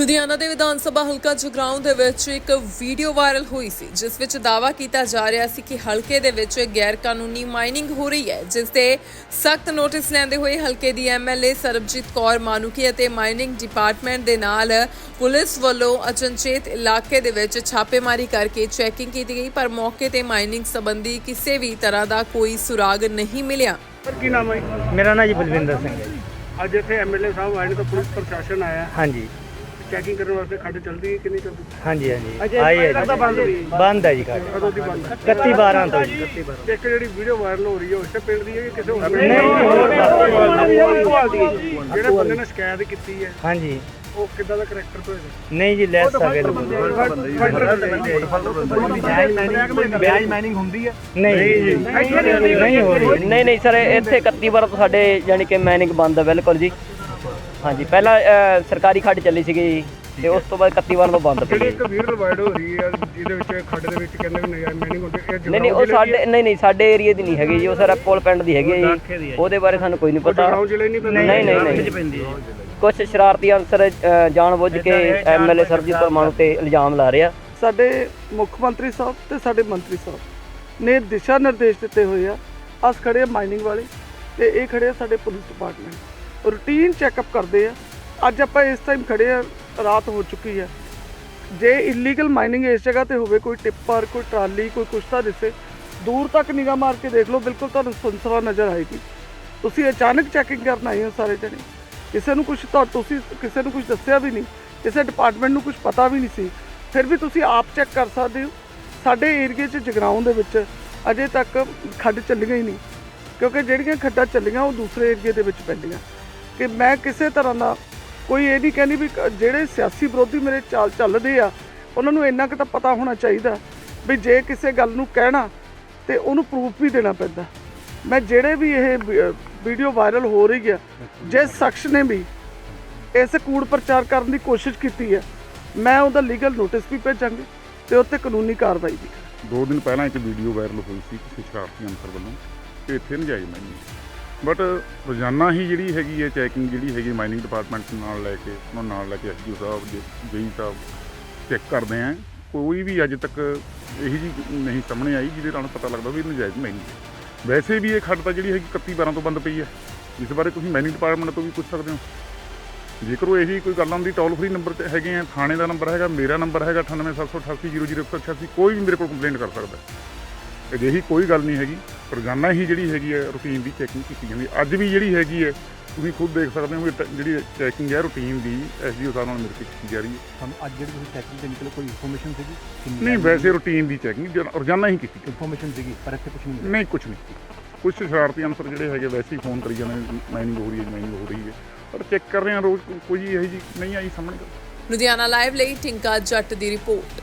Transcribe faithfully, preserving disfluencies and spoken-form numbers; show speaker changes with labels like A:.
A: ਲੁਧਿਆਣਾ ਦੇ ਵਿਧਾਨ ਸਭਾ ਹਲਕਾ ਜਗਰਾਉਂ ਦੇ ਵਿੱਚ ਇੱਕ ਵੀਡੀਓ ਵਾਇਰਲ ਹੋਈ ਸੀ ਜਿਸ ਵਿੱਚ ਦਾਅਵਾ ਕੀਤਾ ਜਾ ਰਿਹਾ ਸੀ ਕਿ ਹਲਕੇ ਦੇ ਵਿੱਚ ਗੈਰ ਕਾਨੂੰਨੀ ਮਾਈਨਿੰਗ ਹੋ ਰਹੀ ਹੈ, ਜਿਸ ਦੇ ਸਖਤ ਨੋਟਿਸ ਲੈਂਦੇ ਹੋਏ ਹਲਕੇ ਦੀ ਐਮਐਲਏ ਸਰਬਜੀਤ ਕੌਰ ਮਾਨੂਕੀ ਅਤੇ ਮਾਈਨਿੰਗ ਡਿਪਾਰਟਮੈਂਟ ਦੇ ਨਾਲ ਪੁਲਿਸ ਵੱਲੋਂ ਅਚਨਚੇਤ ਇਲਾਕੇ ਦੇ ਵਿੱਚ ਛਾਪੇਮਾਰੀ ਕਰਕੇ ਚੈਕਿੰਗ ਕੀਤੀ ਗਈ, ਪਰ ਮੌਕੇ ਤੇ ਮਾਈਨਿੰਗ ਸੰਬੰਧੀ ਕਿਸੇ ਵੀ ਤਰ੍ਹਾਂ ਦਾ ਕੋਈ ਸੁਰਾਗ ਨਹੀਂ ਮਿਲਿਆ।
B: ਸਰ ਕੀ ਨਾਮ ਹੈ?
C: ਮੇਰਾ ਨਾਂ ਜੀ ਬਲਵਿੰਦਰ ਸਿੰਘ ਹੈ ਜੀ।
B: ਅੱਜ ਇੱਥੇ ਐਮਐਲਏ ਸਾਹਿਬ ਆਏ ਨੇ ਤਾਂ ਪੁਲਿਸ ਪ੍ਰਸ਼ਾਸਨ ਆਇਆ
C: ਹਾਂਜੀ
B: ਚੈਕਿੰਗ ਕਰਨ ਵਾਸਤੇ। ਖੱਡ ਚੱਲਦੀ ਹੈ ਕਿ ਨਹੀਂ ਚੱਲਦੀ?
C: ਹਾਂਜੀ ਹਾਂਜੀ ਆਈ ਹੈ ਜੀ।
B: ਬੰਦ ਹੋਈ
C: ਬੰਦ ਹੈ ਜੀ ਖੱਡ
B: ਕਦੋਂ ਦੀ ਬੰਦ ਹੈ?
C: ਇਕੱਤੀ ਬਾਰਾਂ ਤੋਂ ਜੀ।
B: ਇੱਕ ਜਿਹੜੀ ਵੀਡੀਓ ਵਾਇਰਲ ਹੋ ਰਹੀ ਹੈ ਉਸੇ ਪਿੰਡ ਦੀ ਹੈ ਕਿ ਕਿਸੇ ਹੋਰ ਪਿੰਡ
C: ਨਹੀਂ, ਹੋਰ
B: ਦੀ? ਜਿਹੜੇ ਬੰਦੇ ਨੇ ਸ਼ਿਕਾਇਤ ਕੀਤੀ ਹੈ
C: ਹਾਂਜੀ
B: ਉਹ ਕਿੱਦਾਂ ਦਾ ਕਰੈਕਟਰ ਤੋਂ ਹੈਗਾ?
C: ਨਹੀਂ ਜੀ ਲੈਸ ਸਕਦੇ
B: ਵਿਆਜ ਮਾਈਨਿੰਗ ਹੁੰਦੀ ਹੈ?
C: ਨਹੀਂ ਜੀ ਨਹੀਂ ਹੋ ਰਹੀ।
D: ਨਹੀਂ ਨਹੀਂ ਸਰ, ਇੱਥੇ ਇਕੱਤੀ ਵਾਰ ਤੋਂ ਸਾਡੇ ਯਾਨੀ ਕਿ ਮਾਈਨਿੰਗ ਬੰਦ ਹੈ ਬਿਲਕੁਲ ਜੀ। ਹਾਂਜੀ ਪਹਿਲਾਂ ਅ, ਸਰਕਾਰੀ ਖੱਡ ਚੱਲੀ ਸੀਗੀ ਜੀ ਤੇ ਉਸ ਤੋਂ ਬਾਅਦ ਇਕੱਤੀ ਵਾਰ ਤੋਂ ਬੰਦ ਪਈ
B: ਜਿਹੜੀ
D: ਹੈ।
B: ਇੱਕ ਵੀਡੀਓ ਵਾਇਰਲ ਹੋ ਰਹੀ ਹੈ ਜਿਹਦੇ ਵਿੱਚ ਖੱਡ ਦੇ ਵਿੱਚ ਕਹਿੰਦੇ ਵੀ ਨਜਾਇਜ਼ ਮਾਈਨਿੰਗ ਹੁੰਦੀ ਹੈ, ਇਹ
D: ਨਹੀਂ ਨਹੀਂ ਉਹ ਸਾਡੇ ਨਹੀਂ ਨਹੀਂ ਸਾਡੇ ਏਰੀਆ ਦੀ ਨਹੀਂ ਹੈਗੀ ਜੀ, ਉਹ ਸਰ ਕੋਲ ਪਿੰਡ ਦੀ ਹੈਗੀ ਹੈ ਜੀ। ਉਹਦੇ ਬਾਰੇ ਸਾਨੂੰ ਕੋਈ ਨਹੀਂ ਪਤਾ।
B: ਜਗਰਾਉਂ ਜ਼ਿਲ੍ਹੇ ਨਹੀਂ ਪੈਂਦਾ?
D: ਨਹੀਂ ਨਹੀਂ ਨਹੀਂ ਕੁਝ ਸ਼ਰਾਰਤੀ ਅਨਸਰ ਅ, ਜਾਣਬੁੱਝ ਕੇ ਐਮਐਲਏ ਸਰਬਜੀਤ ਕੌਰ ਮਾਣੂ ਤੇ ਇਲਜ਼ਾਮ ਲਾ ਰਿਹਾ।
E: ਸਾਡੇ ਮੁੱਖ ਮੰਤਰੀ ਸਾਹਿਬ ਤੇ ਸਾਡੇ ਮੰਤਰੀ ਸਾਹਿਬ ਨੇ ਦਿਸ਼ਾ ਨਿਰਦੇਸ਼ ਦਿੱਤੇ ਹੋਏ ਆ। ਅਸ ਖੜੇ ਆ ਮਾਈਨਿੰਗ ਵਾਲੇ ਤੇ ਇਹ ਖੜੇ ਆ ਸਾਡੇ ਪੁਲਿਸ ਡਿਪਾਰਟਮੈਂਟ, ਰੂਟੀਨ ਚੈੱਕਅਪ ਕਰਦੇ ਆ। ਅੱਜ ਆਪਾਂ ਇਸ ਟਾਈਮ ਖੜੇ ਆ, ਰਾਤ ਹੋ ਚੁੱਕੀ ਹੈ। ਜੇ ਇਲੀਗਲ ਮਾਈਨਿੰਗ ਇਸ ਜਗ੍ਹਾ ਤੇ ਹੋਵੇ, ਕੋਈ ਟਿੱਪਰ ਕੋਈ ਟਰਾਲੀ ਕੋਈ ਕੁਛ ਤਾਂ ਦਿਸੇ, ਦੂਰ ਤੱਕ ਨਿਗਾਹ ਮਾਰ ਕੇ ਦੇਖ ਲਓ, ਬਿਲਕੁਲ ਤੁਹਾਨੂੰ ਸੁਨਸਰਾ ਨਜ਼ਰ ਆਏਗੀ। ਤੁਸੀਂ ਅਚਾਨਕ ਚੈਕਿੰਗ ਕਰਨ ਆਏ ਹੋ ਸਾਰੇ ਜਣੇ, ਕਿਸੇ ਨੂੰ ਕੁਝ ਤਾਂ ਤੁਸੀਂ ਕਿਸੇ ਨੂੰ ਕੁਝ ਦੱਸਿਆ ਵੀ ਨਹੀਂ, ਕਿਸੇ ਡਿਪਾਰਟਮੈਂਟ ਨੂੰ ਕੁਝ ਪਤਾ ਵੀ ਨਹੀਂ ਸੀ, ਫਿਰ ਵੀ ਤੁਸੀਂ ਆਪ ਚੈੱਕ ਕਰ ਸਕਦੇ ਹੋ। ਸਾਡੇ ਏਰੀਏ 'ਚ ਜਗਰਾਉਂ ਦੇ ਵਿੱਚ ਅਜੇ ਤੱਕ ਖੱਡ ਚੱਲੀਆਂ ਹੀ ਨਹੀਂ, ਕਿਉਂਕਿ ਜਿਹੜੀਆਂ ਖੱਡਾਂ ਚੱਲੀਆਂ ਉਹ ਦੂਸਰੇ ਏਰੀਏ ਦੇ ਵਿੱਚ ਪੈਂਦੀਆਂ। ਕਿ ਮੈਂ ਕਿਸੇ ਤਰ੍ਹਾਂ ਦਾ ਕੋਈ ਇਹ ਨਹੀਂ ਕਹਿੰਦੀ ਵੀ ਜਿਹੜੇ ਸਿਆਸੀ ਵਿਰੋਧੀ ਮੇਰੇ ਚਾਲ ਚੱਲਦੇ ਆ ਉਹਨਾਂ ਨੂੰ ਇੰਨਾ ਕੁ ਤਾਂ ਪਤਾ ਹੋਣਾ ਚਾਹੀਦਾ ਵੀ ਜੇ ਕਿਸੇ ਗੱਲ ਨੂੰ ਕਹਿਣਾ ਤੇ ਉਹਨੂੰ ਪ੍ਰੂਫ ਵੀ ਦੇਣਾ ਪੈਂਦਾ। ਮੈਂ ਜਿਹੜੇ ਵੀ ਇਹ ਵੀਡੀਓ ਵਾਇਰਲ ਹੋ ਰਹੀ ਹੈ, ਜਿਸ ਸ਼ਖਸ ਨੇ ਵੀ ਇਸ ਕੂੜ ਪ੍ਰਚਾਰ ਕਰਨ ਦੀ ਕੋਸ਼ਿਸ਼ ਕੀਤੀ ਹੈ, ਮੈਂ ਉਹਦਾ ਲੀਗਲ ਨੋਟਿਸ ਵੀ ਭੇਜਾਂਗੇ ਤੇ ਉੱਤੇ ਕਾਨੂੰਨੀ ਕਾਰਵਾਈ ਵੀ ਕਰਾਂਗੇ।
F: ਦੋ ਦਿਨ ਪਹਿਲਾਂ ਇੱਕ ਵੀਡੀਓ ਵਾਇਰਲ ਹੋਈ ਸੀ ਕਿਸੇ ਸ਼ਰਾਰਤੀ ਅਨਸਰ ਵੱਲੋਂ ਕਿ ਇੱਥੇ ਨਜਾਇਜ਼ ਮਾਈਨਿੰਗ, ਬਟ ਰੋਜ਼ਾਨਾ ਹੀ ਜਿਹੜੀ ਹੈਗੀ ਹੈ ਚੈਕਿੰਗ ਜਿਹੜੀ ਹੈਗੀ ਮਾਈਨਿੰਗ ਡਿਪਾਰਟਮੈਂਟ ਨਾਲ ਲੈ ਕੇ ਉਹਨਾਂ ਨਾਲ ਲੈ ਕੇ ਐਸਡੀਓ ਸਾਹਿਬ ਜੇਈ ਸਾਹਿਬ ਚੈੱਕ ਕਰਦੇ ਆ। ਕੋਈ ਵੀ ਅੱਜ ਤੱਕ ਇਹੀ ਜੀ ਨਹੀਂ ਸਾਹਮਣੇ ਆਈ ਜਿਹਦੇ ਨਾਲ ਪਤਾ ਲੱਗਦਾ ਵੀ ਨਜਾਇਜ਼ ਮਾਈਨਿੰਗ ਹੈ। ਵੈਸੇ ਵੀ ਇਹ ਖੱਡ ਤਾਂ ਜਿਹੜੀ ਹੈਗੀ ਇਕੱਤੀ ਬਾਰਾਂ ਤੋਂ ਬੰਦ ਪਈ ਹੈ, ਇਸ ਬਾਰੇ ਤੁਸੀਂ ਮਾਈਨਿੰਗ ਡਿਪਾਰਟਮੈਂਟ ਤੋਂ ਵੀ ਪੁੱਛ ਸਕਦੇ ਹੋ। ਜੇਕਰ ਉਹ ਇਹੀ ਕੋਈ ਗੱਲ ਆਉਂਦੀ ਟੋਲ ਫਰੀ ਨੰਬਰ 'ਤੇ ਹੈਗੇ ਆ, ਥਾਣੇ ਦਾ ਨੰਬਰ ਹੈਗਾ, ਮੇਰਾ ਨੰਬਰ ਹੈਗਾ ਅਠਾਨਵੇਂ ਸੱਤ ਸੌ ਅਠਾਸੀ ਜ਼ੀਰੋ ਜ਼ੀਰੋ ਇੱਕ ਸੌ ਅਠਾਸੀ, ਕੋਈ ਵੀ ਮੇਰੇ ਕੋਲ ਕੰਪਲੇਂਟ ਕਰ ਸਕਦਾ। ਅਜਿਹੀ ਕੋਈ ਗੱਲ ਨਹੀਂ ਹੈਗੀ। ਰੋਜ਼ਾਨਾ ਹੀ ਜਿਹੜੀ ਹੈਗੀ ਹੈ ਰੂਟੀਨ ਦੀ ਚੈਕਿੰਗ ਕੀਤੀ ਜਾਂਦੀ। ਅੱਜ ਵੀ ਜਿਹੜੀ ਹੈਗੀ ਹੈ ਤੁਸੀਂ ਖੁਦ ਦੇਖ ਸਕਦੇ ਹੋ ਵੀ ਜਿਹੜੀ ਚੈਕਿੰਗ ਹੈ ਰੂਟੀਨ ਦੀ ਐਸਡੀਓ ਸਾਹਿਬ ਨਾਲ ਮਿਲ ਕੇ ਕੀਤੀ ਜਾ ਰਹੀ ਹੈ।
G: ਤੁਹਾਨੂੰ ਅੱਜ ਜਿਹੜੀ ਤੁਸੀਂ ਚੈਕਿੰਗ ਦੇ ਨਿਕਲੇ ਕੋਈ ਇਨਫੋਰਮੇਸ਼ਨ ਸੀਗੀ?
F: ਨਹੀਂ, ਵੈਸੇ ਰੂਟੀਨ ਦੀ ਚੈਕਿੰਗ ਰੋਜ਼ਾਨਾ ਹੀ ਕੀਤੀ
G: ਇਨਫੋਰਮੇਸ਼ਨ ਸੀਗੀ ਪਰ ਇੱਥੇ ਕੁਝ ਨਹੀਂ ਮਿਲਿਆ?
F: ਨਹੀਂ, ਕੁਝ ਨਹੀਂ। ਕੁਝ ਸ਼ਰਾਰਤੀ ਅਨਸਰ ਜਿਹੜੇ ਹੈਗੇ ਵੈਸੇ ਹੀ ਫੋਨ ਕਰੀ ਜਾਂਦੇ ਮਾਈਨਿੰਗ ਹੋ ਰਹੀ ਹੈ ਮਾਈਨਿੰਗ ਹੋ ਰਹੀ ਹੈ, ਪਰ ਚੈੱਕ ਕਰ ਰਹੇ ਹਾਂ ਰੋਜ਼, ਕੋਈ ਇਹੋ ਜਿਹੀ ਨਹੀਂ ਆਈ ਸਾਹਮਣੇ।
A: ਲੁਧਿਆਣਾ ਲਾਈਵ ਲਈ ਟਿੰਕਾ ਜੱਟ ਦੀ ਰਿਪੋਰਟ।